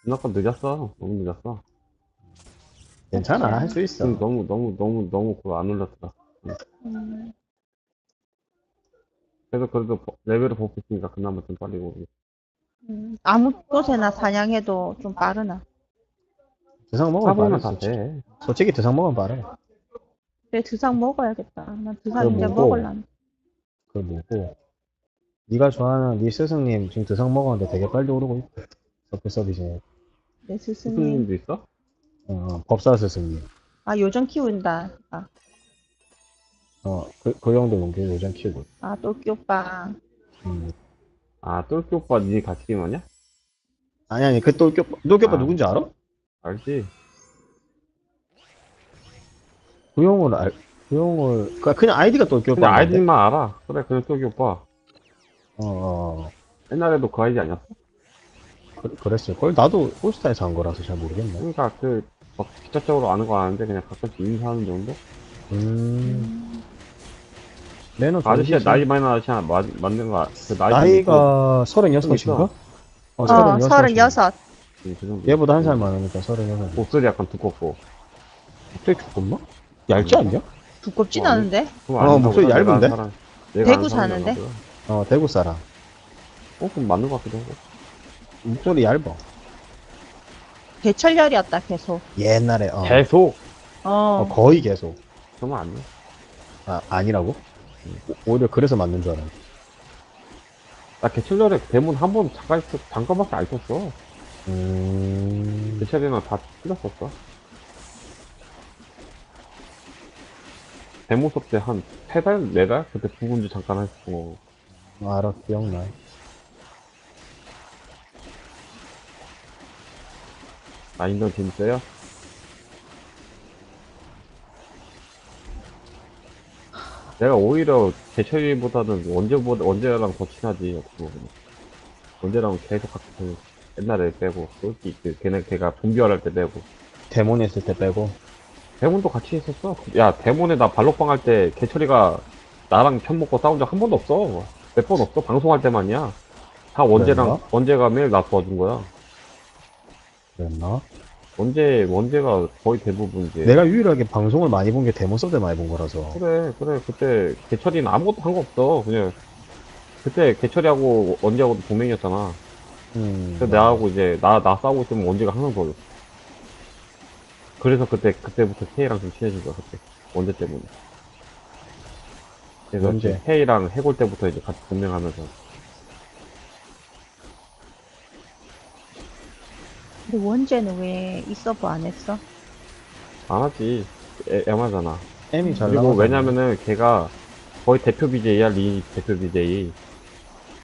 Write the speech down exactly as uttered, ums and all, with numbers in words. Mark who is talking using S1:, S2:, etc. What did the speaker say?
S1: 누나가 늦었어. 너무 늦었어.
S2: 괜찮아, 할 수 있어.
S1: 지금 너무, 너무, 너무, 너무 그거 안 올렸더라. 응.
S3: 음,
S1: 그래서 그래도 버- 레벨을 보고 있으니까 그나마 좀 빨리 오고.
S3: 음. 아무 곳에나 사냥해도 좀 빠르나.
S2: 드상 먹으면 빠르
S1: 사보면 다
S2: 솔직히.
S1: 돼.
S2: 솔직히 드상 먹으면 빠르.
S3: 그래, 드상 먹어야겠다. 난
S2: 그
S3: 드상 이제
S2: 뭐고,
S3: 먹을란.
S2: 그 뭐고. 네가 좋아하는 네 스승님 지금 드상 먹었는데 되게 빨리 오르고 있대. 서클 서비스.
S3: 내 스승님.
S1: 스승님도 있어?
S2: 어, 법사 스승님.
S3: 아, 요정 키운다. 아,
S2: 어, 그, 그 형도 용기 요즘 키우고 있어.
S3: 아, 또끼 오빠.
S2: 음.
S1: 아, 똘끼 오빠 니 같이 게임하냐?
S2: 아니, 아니, 그 똘끼 오빠, 똘끼 오빠
S1: 아,
S2: 누군지 알아?
S1: 알지?
S2: 그 형을 알, 그 형을, 그- 그냥 아이디가 똘끼
S1: 그냥
S2: 오빠인데?
S1: 아이디만 알아. 그래, 그냥 똘끼 오빠.
S2: 어, 어, 어.
S1: 옛날에도 그 아이디 아니었어?
S2: 그, 그랬을걸? 나도 올스타에서 한 거라서 잘 모르겠네.
S1: 그러니까 그, 막, 직접적으로 아는 거 아는데 그냥 가끔씩 인사하는 정도?
S2: 음,
S3: 음,
S2: 매너
S1: 그 아저씨가
S2: 좋으시지.
S1: 나이 많은 아저씨 하나 마- 만든 거, 그 나이
S2: 나이가
S1: 좀
S2: 서른여섯인가?
S1: 있어.
S2: 어,
S3: 어,
S2: 서른여섯.
S3: 서른여섯.
S1: 그 정도.
S2: 얘보다 한 살 많으니까 서른여섯.
S1: 목소리 약간 두껍고.
S2: 목소리 두껍나? 얇지 않냐?
S3: 두껍진
S1: 어, 아니,
S3: 않은데?
S1: 그럼
S2: 어,
S1: 아닌가
S2: 목소리
S1: 보다. 내가
S2: 얇은데?
S1: 아는 사람, 내가
S3: 대구
S1: 아는 사람이
S3: 사는데?
S1: 아니라.
S2: 어, 대구 사람.
S1: 어, 그럼 맞는 것 같기도 하고.
S2: 목소리 얇아.
S3: 개철열이었다, 계속.
S2: 옛날에, 어.
S1: 계속!
S2: 어,
S3: 어,
S2: 거의 계속.
S1: 그러면 아니야.
S2: 아, 아니라고? 오- 오히려 그래서 맞는 줄 알았네.
S1: 나 개철절에 대문 한 번 잠깐 있었, 잠깐밖에 안 썼어.
S2: 음,
S1: 개철이랑 다 틀렸었어. 데모 수업 때 한 세 달, 네 달? 그때 부군주 잠깐 했어.
S2: 알아, 기억나.
S1: 아, 인던 재밌어요? 내가 오히려 개철이보다는 원재보다, 원재랑 더 친하지, 어떻게 보면. 원재랑 계속 같이 그 옛날에 빼고, 솔직히 그, 걔네, 걔가 좀비활 할 때 빼고.
S2: 데몬 했을 때 빼고.
S1: 데몬도 같이 했었어. 야, 데몬에 나 발록방 할 때 개철이가 나랑 편 먹고 싸운 적 한 번도 없어. 몇 번 없어. 방송할 때만이야. 다 원재랑,
S2: 그랬나?
S1: 원재가 매일 나 도와준 거야.
S2: 그랬나?
S1: 원재, 원재가 거의 대부분 이제.
S2: 내가 유일하게 방송을 많이 본 게 데몬 서브 때 많이 본 거라서.
S1: 그래, 그래. 그때 개철이는 아무것도 한 거 없어. 그냥, 그때 개철이하고 원재하고도 동맹이었잖아.
S2: 음,
S1: 그래서 나하고 이제, 나, 나 싸우고 있으면 원재가 항상 도와줬어. 그래서 그때, 그때부터 K랑 좀 친해진 거야, 그때. 원재 때문에. 그래서
S2: 원재.
S1: 이제 K랑 해골 때부터 이제 같이 동맹하면서.
S3: 근데 원재는 왜 이 서브 안 했어?
S1: 안 하지. 애, 애마잖아.
S2: M이 잘
S1: 그리고
S2: 나가서.
S1: 왜냐면은 걔가 거의 대표 비제이야, 리 대표 비제이.